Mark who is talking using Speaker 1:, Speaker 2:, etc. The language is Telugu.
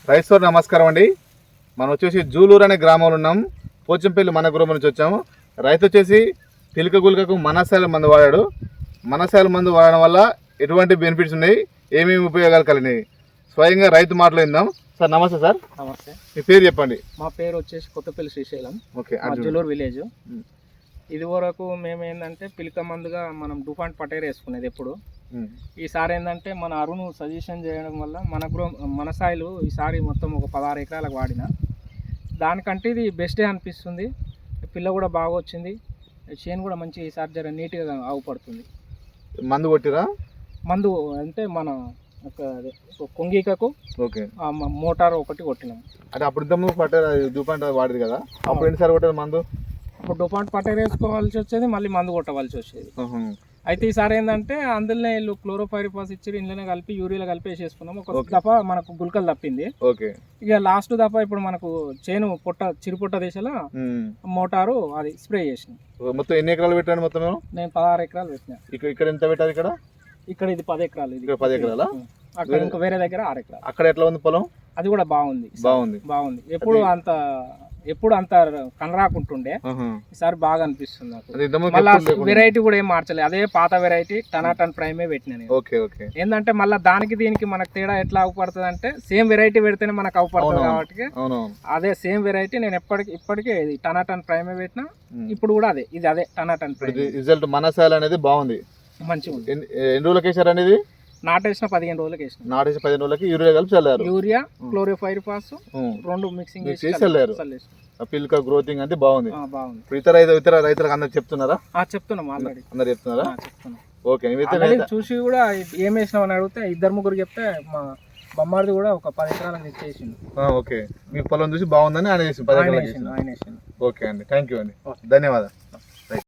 Speaker 1: రైతు నమస్కారం అండి. మనం వచ్చేసి జూలూరు అనే గ్రామంలో ఉన్నాం. పోచంపల్లి మన గ్రామం నుంచి వచ్చాము. రైతు వచ్చేసి పిలక గుల్కకు మనసాల మందు వాడాడు. మనసాల మందు వాడడం వల్ల ఎటువంటి బెనిఫిట్స్ ఉన్నాయి, ఏమేమి ఉపయోగాలు కలిగినాయి, స్వయంగా రైతు మాట్లాడిందాం. సార్ నమస్తే. సార్
Speaker 2: నమస్తే.
Speaker 1: మీ పేరు చెప్పండి.
Speaker 2: మా పేరు వచ్చేసి కొత్తపల్లి శ్రీశైలం.
Speaker 1: ఓకే.
Speaker 2: జూలూరు విలేజ్. ఇది వరకు మేము ఏంటంటే పిలక మందుగా మనం డూఫాంట్ పటేర్ వేసుకునేది ఎప్పుడు. ఈసారి ఏంటంటే మన అరుణ్ సజెషన్ చేయడం వల్ల మన సాయిలు ఈసారి మొత్తం ఒక 16 ఎకరాలకు వాడిన. దానికంటే ఇది బెస్టే అనిపిస్తుంది. పిల్ల కూడా బాగా వచ్చింది. చేను కూడా మంచి ఈసారి జర నీట్గా ఆవుపడుతుంది.
Speaker 1: మందు కొట్టిరా?
Speaker 2: మందు అంటే మన కొంగికకు
Speaker 1: ఓకే
Speaker 2: మోటార్ ఒకటి కొట్టినాం.
Speaker 1: అంటే అప్పుడు ఇంతకుముందు పటేర్ డూపాంట్ వాడేది కదా, అప్పుడు ఎన్నిసార్లు కొట్టేది మందు?
Speaker 2: అప్పుడు డూపాంట్ పటేర్ వేసుకోవాల్సి వచ్చేది, మళ్ళీ మందు కొట్టవలసి వచ్చేది. అయితే ఈసారి ఏంటంటే అందులోనే వీళ్ళు క్లోరోఫైరిఫాస్ ఇచ్చి ఇంట్లోనే కలిపి యూరియాలో కలిపి వేసేసుకున్నాం. ఒక దఫా మనకు గుల్కలు తప్పింది.
Speaker 1: ఓకే.
Speaker 2: ఇక లాస్ట్ దఫా ఇప్పుడు మనకు చేను చిరుపుట్ట దిశలో మోటారు అది స్ప్రే చేసినాం.
Speaker 1: మొత్తం ఎన్ని ఎకరాలు పెట్టాను? మొత్తం
Speaker 2: నేను 16 ఎకరాలు పెట్టినా.
Speaker 1: ఇక్కడ ఎంత పెట్టారు? ఇక్కడ
Speaker 2: ఇది 10 ఎకరాలు. ఇది
Speaker 1: 10 ఎకరాలా?
Speaker 2: అక్కడ ఇంకా వేరే దగ్గర 6 ఎకరాలు.
Speaker 1: అక్కడ ఎట్లా ఉంది పొలం?
Speaker 2: అది కూడా బాగుంది. ఎప్పుడు అంత కనరాకుంటుండే, ఈసారి బాగా అనిపిస్తుంది నాకు. మళ్ళీ వెరైటీ కూడా ఏం మార్చలేదు, అదే పాత వెరైటీ టనాటన్ ప్రైమే పెట్టినా నేను. ఏంటంటే మళ్ళీ దానికి దీనికి మనకు తేడా ఎట్లా అవపడుతుంది అంటే, సేమ్ వెరైటీ పెడితేనే మనకు అవపడుతుంది కాబట్టి అదే సేమ్ వెరైటీ నేను ఇప్పటికే టనాటన్ ప్రైమే పెట్టినా. ఇప్పుడు కూడా అదే టనాటన్ ప్రైమ్.
Speaker 1: రిజల్ట్ మనసాల అనేది బాగుంది, మంచిగా ఉంది. ఎన్ని రోజులకి వేసారు అనేది?
Speaker 2: నాటేసిన 15 రోజులకి వేసిన.
Speaker 1: నాటేసిన 15 రోజులకి యూరియా కలిపి చల్లారు.
Speaker 2: యూరియా క్లోరోఫైరిఫాస్ రెండు మిక్సింగ్ చేసి
Speaker 1: చల్లారు. పిల్క గ్రోతింగ్ అంటే బాగుంది. ఇతర రైతులకు అందరు చెప్తున్నారా?
Speaker 2: చెప్తున్నాం, ఆల్రెడీ
Speaker 1: అందరు చెప్తున్నారా?
Speaker 2: చెప్తున్నాం.
Speaker 1: ఓకే.
Speaker 2: చూసి కూడా ఏం వేసినావు అని అడిగితే 2-3 చెప్తే మా బొమ్మారిది కూడా ఒక 10 ఎకరాలకు ఇచ్చేసిండు.
Speaker 1: ఓకే. మీ పొలం చూసి బాగుందని ఆయన వేసిండు. ఓకే అండి, థ్యాంక్ యూ అండి, ధన్యవాదాలు.